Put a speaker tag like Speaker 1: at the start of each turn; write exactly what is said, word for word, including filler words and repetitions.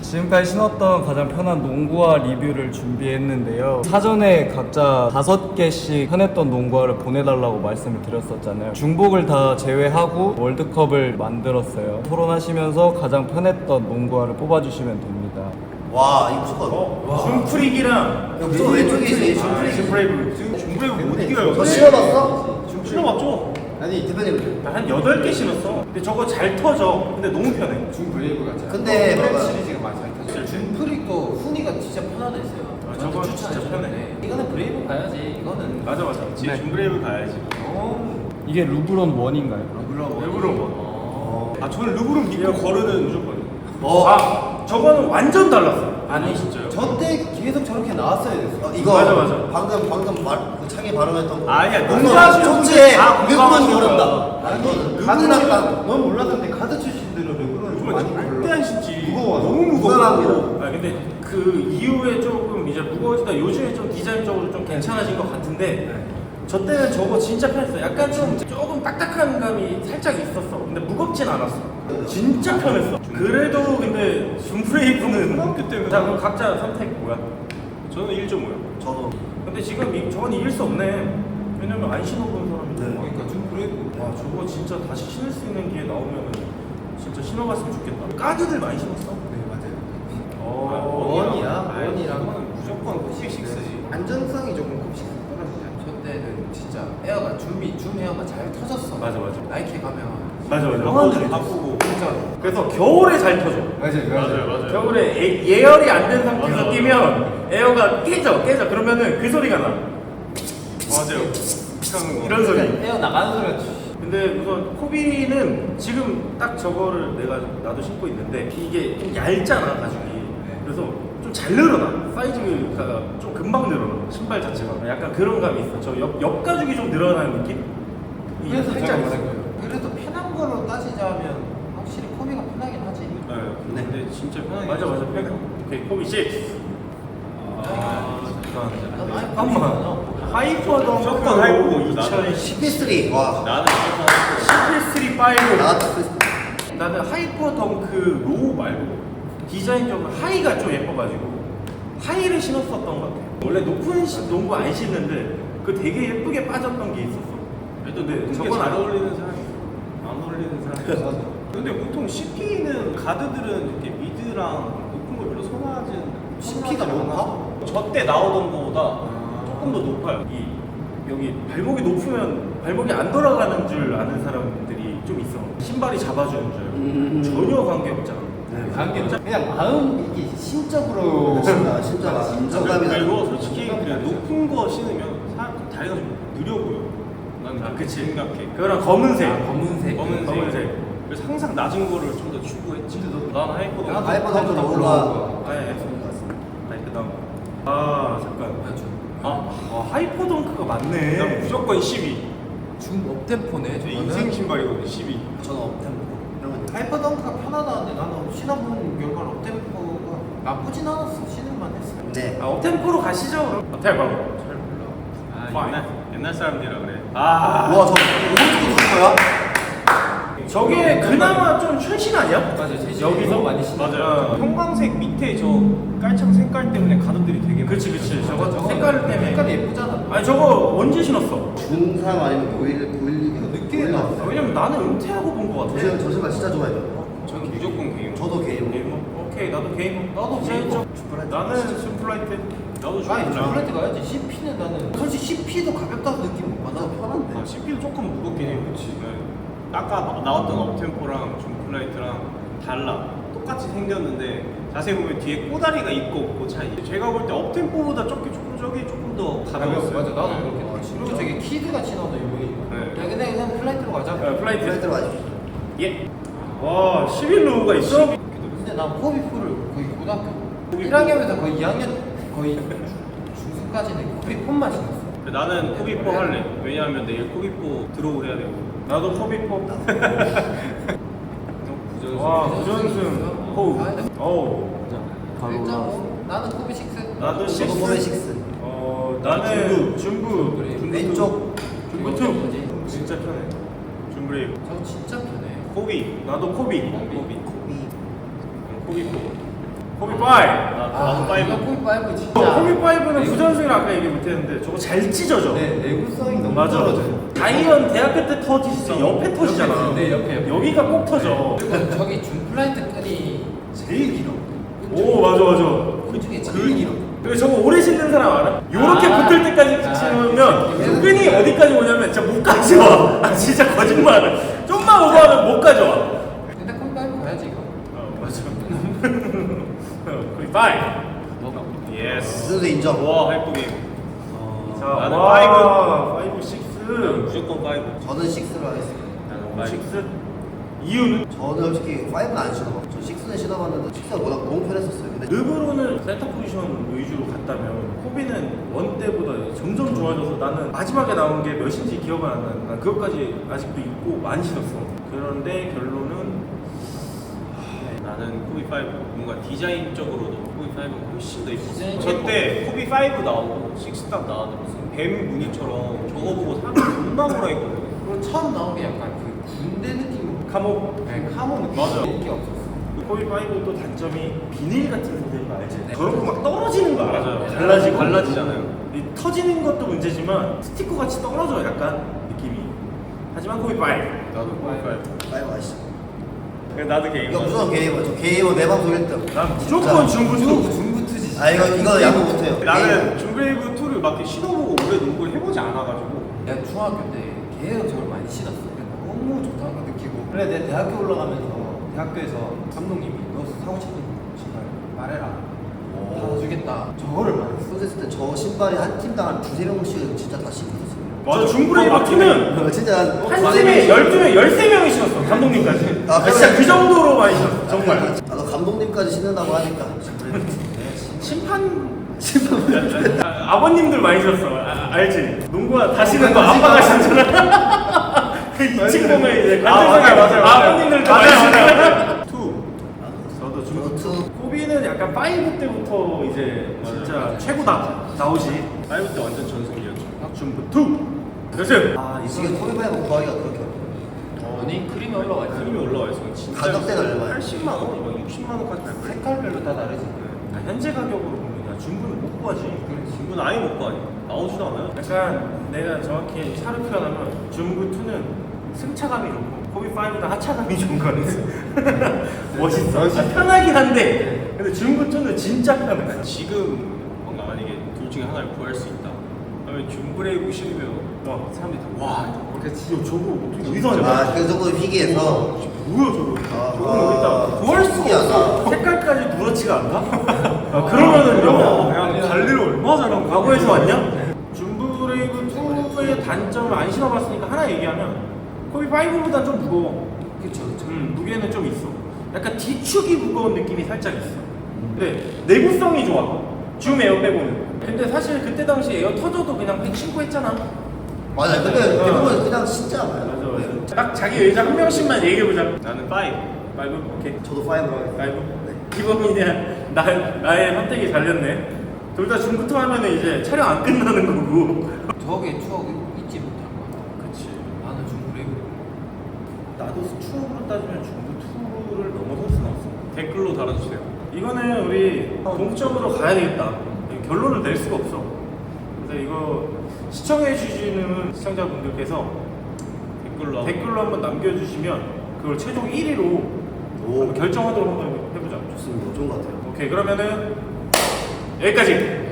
Speaker 1: 지금까지 신었던 가장 편한 농구화 리뷰를 준비했는데요. 사전에 각자 다섯 개씩 편했던 농구화를 보내달라고 말씀을 드렸었잖아요. 중복을 다 제외하고 월드컵을 만들었어요. 토론하시면서 가장 편했던 농구화를 뽑아주시면 됩니다.
Speaker 2: 와 이거 무조건
Speaker 3: 어? 줌프릭이랑
Speaker 2: 저 왼쪽에 있어요. 줌프릭.
Speaker 3: 줌브레이브 줌브레이브 못 이겨요.
Speaker 2: 너 신어봤어?
Speaker 3: 신어봤죠?
Speaker 2: 아니 대표님
Speaker 3: 한 여덟 개 신었어. 근데 저거 잘 터져. 근데 너무 편해.
Speaker 4: 준 브레이브 같잖아.
Speaker 2: 근데
Speaker 4: 프렌
Speaker 2: 봐봐.
Speaker 4: 시리즈가 많이 잘 타죠. 준 프릭도 훈이가 진짜 편하다 했어요.
Speaker 3: 아,
Speaker 4: 저한테
Speaker 3: 저건
Speaker 4: 추천해
Speaker 3: 진짜
Speaker 4: 줬는데
Speaker 3: 편해.
Speaker 4: 이거는 브레이브 가야지. 이거는
Speaker 3: 맞아 맞아. 지
Speaker 1: 네.
Speaker 3: 줌브레이브 가야지.
Speaker 4: 어.
Speaker 1: 이게 루브론 원인가요?
Speaker 4: 물론
Speaker 3: 르브론 원.
Speaker 4: 어.
Speaker 3: 아 저는 르브론 믿고 거르는 무조건.
Speaker 2: 어.
Speaker 3: 아 저거는 완전 달랐어. 아니 진짜요?
Speaker 4: 저때 계속 저렇게 나왔어야 됐어.
Speaker 2: 어, 이거
Speaker 3: 맞아, 맞아.
Speaker 2: 방금 방금 말 그 창에 발언했던 거.
Speaker 3: 아니야,
Speaker 2: 농구
Speaker 3: 농구하시는
Speaker 2: 존재해.
Speaker 3: 분들 다
Speaker 2: 르브론
Speaker 3: 공감하시는
Speaker 2: 모른다.
Speaker 3: 거야.
Speaker 2: 아니
Speaker 4: 가드
Speaker 2: 르브론
Speaker 4: 난, 넌 몰랐는데 가드 출신들은 르브론을 좀 많이
Speaker 3: 절대
Speaker 4: 몰라.
Speaker 3: 안 신지.
Speaker 4: 무거워.
Speaker 3: 너무 무거워.
Speaker 2: 무관합니다.
Speaker 3: 아 근데 그 이후에 조금 이제 무거워지다. 요즘에 좀 디자인적으로 좀 괜찮아진 것 같은데 저 때는 저거 진짜 편했어. 약간 좀 조금 딱딱한 감이 살짝 있었어. 근데 무겁진 않았어. 진짜 편했어. 그래도 근데 줌브레이브는
Speaker 4: 초등학교 때문에.
Speaker 3: 자 그럼 각자 선택 뭐야? 저는 일 점 오요.
Speaker 2: 저도
Speaker 3: 근데 지금 이, 저건 이길 수 없네. 왜냐면 안 신어본 사람인데.
Speaker 2: 네.
Speaker 4: 그러니까 준 브레이브.
Speaker 3: 와 저거 진짜 다시 신을 수 있는 기회 나오면 진짜 신어봤으면 좋겠다. 까드들 많이 신었어.
Speaker 4: 네 맞아요.
Speaker 3: 어,
Speaker 4: 원이랑
Speaker 3: 아이,
Speaker 4: 원이랑
Speaker 3: 그거는 무조건 kup식스지.
Speaker 4: 안전성이 조금 kup식스 떨어지잖아. 저 때는 진짜 에어가 줌이 줌 에어가 잘 터졌어.
Speaker 3: 맞아, 맞아.
Speaker 4: 나이키 가면
Speaker 3: 맞아 맞아.
Speaker 4: 영화들이
Speaker 3: 바꾸고.
Speaker 4: 진짜로.
Speaker 3: 그래서 겨울에 잘 터져.
Speaker 4: 맞아요
Speaker 3: 겨울에 예, 예열이 안 된 상태에서
Speaker 4: 맞아.
Speaker 3: 뛰면 에어가 깨져 깨져. 그러면은 그 소리가 나. 맞아요. 이런 소리.
Speaker 4: 에어 나가는 소리가 주-
Speaker 3: 근데 우선 코비는 지금 딱 저거를 내가 나도 신고 있는데 이게 좀 얇잖아 가죽이. 그래서 좀 잘 늘어나. 사이즈가 좀 금방 늘어나. 신발 자체가 약간 그런 감이 있어. 저 옆 옆 가죽이 좀 늘어나는 느낌? 이게
Speaker 4: 그래서 제가
Speaker 3: 살짝
Speaker 4: 말한
Speaker 3: 있어.
Speaker 4: 거예요. 그래도 편한 거로 따지자면 확실히 코비가 편하긴 하지.
Speaker 3: 네.
Speaker 2: 네.
Speaker 3: 근데 진짜 편하게. 맞아 맞아 편해. 오케이 코비 씨. 아 잠깐. 잠깐만. 하이퍼 덩크
Speaker 5: 무조건 하이퍼고,
Speaker 3: 이천십
Speaker 2: 시피쓰리 와
Speaker 5: 나는
Speaker 3: 시피쓰리 파이브.
Speaker 2: 나왔다 그
Speaker 3: 나는 하이퍼 덩크 로우 말고 디자인적으로 하이가 좀 예뻐가지고 하이를 신었었던 것 같아. 원래 높은 시- 농구 안 신는데 그 되게 예쁘게 빠졌던 게 있었어.
Speaker 5: 그래도
Speaker 3: 근데
Speaker 5: 높은
Speaker 3: 저건
Speaker 5: 게잘
Speaker 3: 안
Speaker 5: 어울리는 사람이 안 어울리는 사람이 없어. 근데 보통 씨피는 가드들은 이렇게 미드랑 높은 걸 별로 선호하지는
Speaker 2: 씨피가 높아?
Speaker 5: 저때 나오던 거보다 조금 더 높아요.
Speaker 3: 이 여기 발목이 높으면 발목이 안 돌아가는 줄 아는 사람들이 좀 있어. 신발이 잡아주는 줄
Speaker 2: 음.
Speaker 3: 전혀 관계 없잖아.
Speaker 4: 관계 그냥 마음 이게 심적으로
Speaker 2: 진짜 진짜 인정감이
Speaker 5: 그리고
Speaker 2: 나는
Speaker 5: 솔직히 그냥 높은 거 신으면 사람 다리가 좀 느려 보여. 난
Speaker 3: 아,
Speaker 5: 그렇게
Speaker 3: 그치.
Speaker 5: 생각해.
Speaker 3: 그거랑 검은색.
Speaker 4: 아, 검은색.
Speaker 5: 검은색.
Speaker 3: 검은색.
Speaker 5: 그래서 항상 낮은 거를 좀 더 추구했지. 난 하이퍼도
Speaker 4: 나도
Speaker 2: 하이퍼 덩크
Speaker 4: 하이퍼
Speaker 2: 로우가
Speaker 3: 아, 예. 아니 그다음. 아 잠깐. 아, 아 하이퍼 덩크가 맞네.
Speaker 5: 난 무조건 십이.
Speaker 4: 중 업템포네
Speaker 5: 제
Speaker 4: 저거는.
Speaker 5: 인생 신발이거든 십이.
Speaker 2: 저는 업템포 이런 거
Speaker 4: 하이퍼 덩크가 편하다는데 나는 신어본 결과는 업템포가 나쁘진 않았어. 신을만 했어.
Speaker 2: 네
Speaker 3: 아 업템포로 가시죠 그럼. 업템 바로.
Speaker 4: 잘 몰라.
Speaker 5: 아, 옛날 옛날 사람들이라 그래. 아,
Speaker 2: 우와 저 오른쪽도 누른 거야?
Speaker 3: 저게 그나마 좀 최신 아니야?
Speaker 4: 맞아, 최신.
Speaker 3: 여기서
Speaker 4: 많이 신어.
Speaker 3: 맞아요.
Speaker 5: 형광색 밑에 저 깔창 색깔 때문에 가드들이 되게
Speaker 3: 그렇지 그렇지. 저거
Speaker 4: 저거
Speaker 3: 색깔 때문에.
Speaker 4: 색깔이 예쁘잖아.
Speaker 3: 아니 저거 언제 신었어?
Speaker 2: 중삼 아니면 고일 고일이면
Speaker 4: 늦게 나왔어.
Speaker 3: 아, 왜냐면 나는 은퇴하고 본 거 같아.
Speaker 2: 저, 저 신발 진짜 좋아해요
Speaker 5: 저는 무조건 게임.
Speaker 2: 저도 개인
Speaker 3: 게이머? 오케이 나도 게이머.
Speaker 4: 나도
Speaker 3: 디자인
Speaker 4: 게이머.
Speaker 3: 쪽. 나는 슈플라이트.
Speaker 5: 나도
Speaker 4: 아니
Speaker 5: 좋아.
Speaker 4: 저플라이트 가야지. 씨피는 나는 솔직히 씨피도 가볍다는 느낌 못 받아. 편한데.
Speaker 5: 아, 씨피도 조금 무겁긴 해요. 그렇지. 아까 나- 나왔던 업템포랑 줌플라이트랑 달라. 똑같이 생겼는데 자세히 보면 뒤에 꼬다리가 있고 없고 차이. 제가 볼 때 업템포보다 저기 조금 저기 조금 더 가벼웠어요.
Speaker 4: 맞아 나도
Speaker 5: 네.
Speaker 4: 그렇게 봤지. 그리고 저기 키드가 신어도 유명해.
Speaker 5: 네.
Speaker 4: 야 근데 그냥 플라이트로 가자.
Speaker 3: 어, 플라이트.
Speaker 2: 플라이트로 가죠
Speaker 3: 예. 와 십일 로우가 있어?
Speaker 4: 근데 난 코비프를 거의 고등학교 일 학년에서 거의 이 학년 거의 중순까지는 코비폰만 신었어.
Speaker 5: 나는 코비포 할래. 왜냐하면 내일 코비포 드로우 해야 되고.
Speaker 3: 나도 코비포.
Speaker 4: 부전승.
Speaker 3: 와 부전승. 호우. 어우.
Speaker 1: 바로
Speaker 4: 일 점
Speaker 1: 올라왔어.
Speaker 4: 오. 나는 코비 식스.
Speaker 3: 나도
Speaker 2: 저도
Speaker 3: 식스.
Speaker 2: 보면 식스
Speaker 3: 어 나는 중부.
Speaker 2: 왼쪽
Speaker 3: 중부 투. 진짜 편해. 줌브레이브.
Speaker 4: 저 진짜 편해.
Speaker 3: 코비. 나도 코비.
Speaker 4: 코비.
Speaker 2: 코비
Speaker 3: 코비포. 코비 파이브.
Speaker 5: 나
Speaker 4: 아,
Speaker 5: 나도 파이브.
Speaker 4: 이거 코비 파이브
Speaker 3: 어,
Speaker 4: 진짜.
Speaker 3: 코비 파이브는 부전승이라 아까 얘기 못했는데 저거 잘 찢어져.
Speaker 2: 네, 내구성이 너무
Speaker 3: 맞아.
Speaker 2: 떨어져요.
Speaker 3: 다이언 대학교 때 터지지 옆에 터지잖아.
Speaker 4: 네, 옆에, 옆에.
Speaker 3: 여기가 꼭 터져.
Speaker 4: 그리고 저기 중 플라이트 끈이 제일 길어.
Speaker 3: 오 맞아 맞아.
Speaker 4: 그 중에 제일 길어.
Speaker 3: 그리고 저거 오래 신는 사람 알아? 요렇게
Speaker 4: 아.
Speaker 3: 붙을 때까지
Speaker 4: 아,
Speaker 3: 신으면
Speaker 4: 그치.
Speaker 3: 끈이 어디까지 오냐면 진짜 못 가져와. 아 진짜 거짓말. 좀만 오버하면 못 가져와.
Speaker 4: 근데 코비 파이브 가야지 이거.
Speaker 3: 어 맞아. 코비 파이브.
Speaker 5: 예스.
Speaker 2: 그래도 인정.
Speaker 5: 와 하이프 게임.
Speaker 3: 자,
Speaker 5: 나는
Speaker 3: 와, 파이브, 식스.
Speaker 5: 나는 무조건 파이브.
Speaker 2: 저는 식스로 하겠습니다.
Speaker 5: 나는 파이브.
Speaker 3: 식스. 이유는
Speaker 2: 저는 솔직히 파이브는 안 신어봤고 저 식스는 신어봤는데 식스가 워낙 너무 편했었어요. 근데
Speaker 3: 르브론을 센터 포지션 위주로 갔다면 코비는 원 때보다 점점 좋아져서 나는 마지막에 나온 게 몇인지 기억은 안 나는데 난 그것까지 아직도 있고 많이 신었어. 그런데 결론은
Speaker 5: 나는 코비 파이브. 뭔가 디자인적으로도 코비 파이브가 훨씬 더 이뻤어.
Speaker 4: 디자인적으로.
Speaker 5: 저때 코비 파이브 나오고 식스 딱 나왔는데 무슨 뱀 무늬처럼 저거 보고 사람들 존나 뭐라 했거든.
Speaker 4: 그리고 처음 나온 게 약간 그 군대 느낌.
Speaker 3: 카모.
Speaker 4: 네, 카모 느낌.
Speaker 5: 맞아.
Speaker 4: 느낌 없었어.
Speaker 3: 코비 파이브 또 단점이 비닐 같은 소재인 거 알지?
Speaker 4: 네.
Speaker 3: 저렇게 막 떨어지는 거 알아?
Speaker 5: 맞아요.
Speaker 3: 달라지고
Speaker 5: 달라지잖아요.
Speaker 3: 이 터지는 것도 문제지만 스티커 같이 떨어져 약간 느낌이. 하지만 코비 파이브.
Speaker 5: 나도 코비 파이브.
Speaker 2: 파이브 아시죠?
Speaker 5: 나도 게임.
Speaker 2: 이거 무조건 게이머. 저 게이머 내 방송 일 등.
Speaker 3: 난 무조건 중부투.
Speaker 4: 중부투지.
Speaker 2: 아 이거 이거 야구 못해요.
Speaker 5: 나는 중베이브 투를 막 이렇게 신어보고 오래 농구를 해보지 않아가지고.
Speaker 4: 내가 중학교 때 계속 저걸 많이 신었어. 근데 너무 좋다는 거 느끼고. 그래 내 대학교 올라가면서 대학교에서 감독님이 너 사고 싶은 신발 말해라. 다 주겠다. 저거를 말했어.
Speaker 2: 소됐을 때 저 신발이 한 팀당 한 두세 명씩 진짜 다 신고 있었어요.
Speaker 3: 맞아 중브레이브 투는
Speaker 2: 진짜 한
Speaker 3: 한 팀에 열두 명, 열세 명이 신었어, 감독님까지.
Speaker 2: 아,
Speaker 3: 아, 진짜 그 정도로 많이 신었어, 정말.
Speaker 2: 나도 감독님까지 신는다고 하니까
Speaker 3: 심판. 심판. 아, 아버님들 많이 신었어, 아, 알지? 농구가 다시는 거 아빠가 신잖아. 그 이층 보면 이제
Speaker 5: 아, 맞아요,
Speaker 3: 관전석에
Speaker 5: 맞아요, 맞아요.
Speaker 3: 아버님들도
Speaker 5: 맞아요,
Speaker 3: 많이
Speaker 5: 맞아요.
Speaker 3: 신어요. 투. 저도
Speaker 2: 저
Speaker 3: 중.
Speaker 2: 투
Speaker 3: 코비는 약간 파이브 때부터 이제 진짜 최고다 나오지.
Speaker 5: 파이브 때 완전 전성기였죠.
Speaker 3: 중부 투. 그렇지. 아, 이
Speaker 2: 지금
Speaker 3: 순간.
Speaker 2: 코비파이브 구하기가 그렇게 어려워요.
Speaker 4: 아니 크림이 올라와 있어.
Speaker 5: 크림이 올라와 있어. 진짜
Speaker 2: 가격대가 얼마예요?
Speaker 5: 팔십만 원, 막 육십만 원까지 갈 거야.
Speaker 4: 색깔별로 다 다르지.
Speaker 3: 아, 현재 가격으로 보면 야, 중부는 못 구하지.
Speaker 5: 중분 아예 못 가. 나오지도 않아요.
Speaker 3: 약간 내가 정확히 차를 표현하면 중부 투는 승차감이 좋고 코비 파이브는 하차감이 좋은 거 같아. 멋있어. 아, 편하긴 한데 근데 중부 투는 진짜 편해.
Speaker 5: 지금 뭔가 만약에 둘 중에 하나를 구할 수 있다. 그러면 중브레이브 신으면
Speaker 3: 어.
Speaker 5: 사람들이 다 와.
Speaker 3: 그렇지. 야, 저거 어떻게 어디서 하냐?
Speaker 2: 아그 정도 희귀해서
Speaker 3: 뭐야 저거?
Speaker 2: 아,
Speaker 3: 저거는 어디다 구할 수가
Speaker 2: 신기하다.
Speaker 3: 없어. 색깔까지 누렇지가 않나? 아, 그러면은요.
Speaker 5: 그냥 관리를 얼마나 잘하고
Speaker 3: 과거에서 왔냐? 중브레이브 투의 단점을 안 신어봤으니까 하나 얘기하면 코비 파이브보다 좀 무거워.
Speaker 4: 그쵸 그쵸.
Speaker 3: 음, 무게는 좀 있어. 약간 뒤축이 무거운 느낌이 살짝 있어. 근데 내구성이 좋아. 줌 에어 빼고는. 근데 사실 그때 당시 에어 터져도 그냥 백 신고 했잖아.
Speaker 2: 맞아요. 근데
Speaker 3: 어.
Speaker 2: 대부분 그냥 진짜
Speaker 3: 맞아
Speaker 2: 많아요.
Speaker 3: 맞아. 딱 자기 의자 한 명씩만 얘기해보자.
Speaker 5: 나는 파이브.
Speaker 3: 파이브 오케이.
Speaker 2: 저도 파이브로 하겠습니다.
Speaker 3: 파이브. 이범이냐 나 나의 선택이 잘렸네. 둘 다 중부터 하면은 이제 촬영 안 끝나는 거고.
Speaker 4: 저게 추억이 잊지 못할 거야.
Speaker 3: 그치.
Speaker 4: 나는 중브레이브.
Speaker 3: 나도 추억으로 따지면 중부 투를 넘어설 수는 없어.
Speaker 5: 댓글로 달아주세요.
Speaker 3: 이거는 우리 동점으로 가야 되겠다. 결론을 낼 수가 없어. 그래서 이거 시청해 주시는 시청자분들께서
Speaker 5: 댓글로
Speaker 3: 댓글로 한번 남겨주시면 그걸 최종 일 위로
Speaker 2: 오
Speaker 3: 결정하도록 한번 해보자.
Speaker 2: 좋습니다. 좋은 것 같아요.
Speaker 3: 오케이 그러면은 여기까지.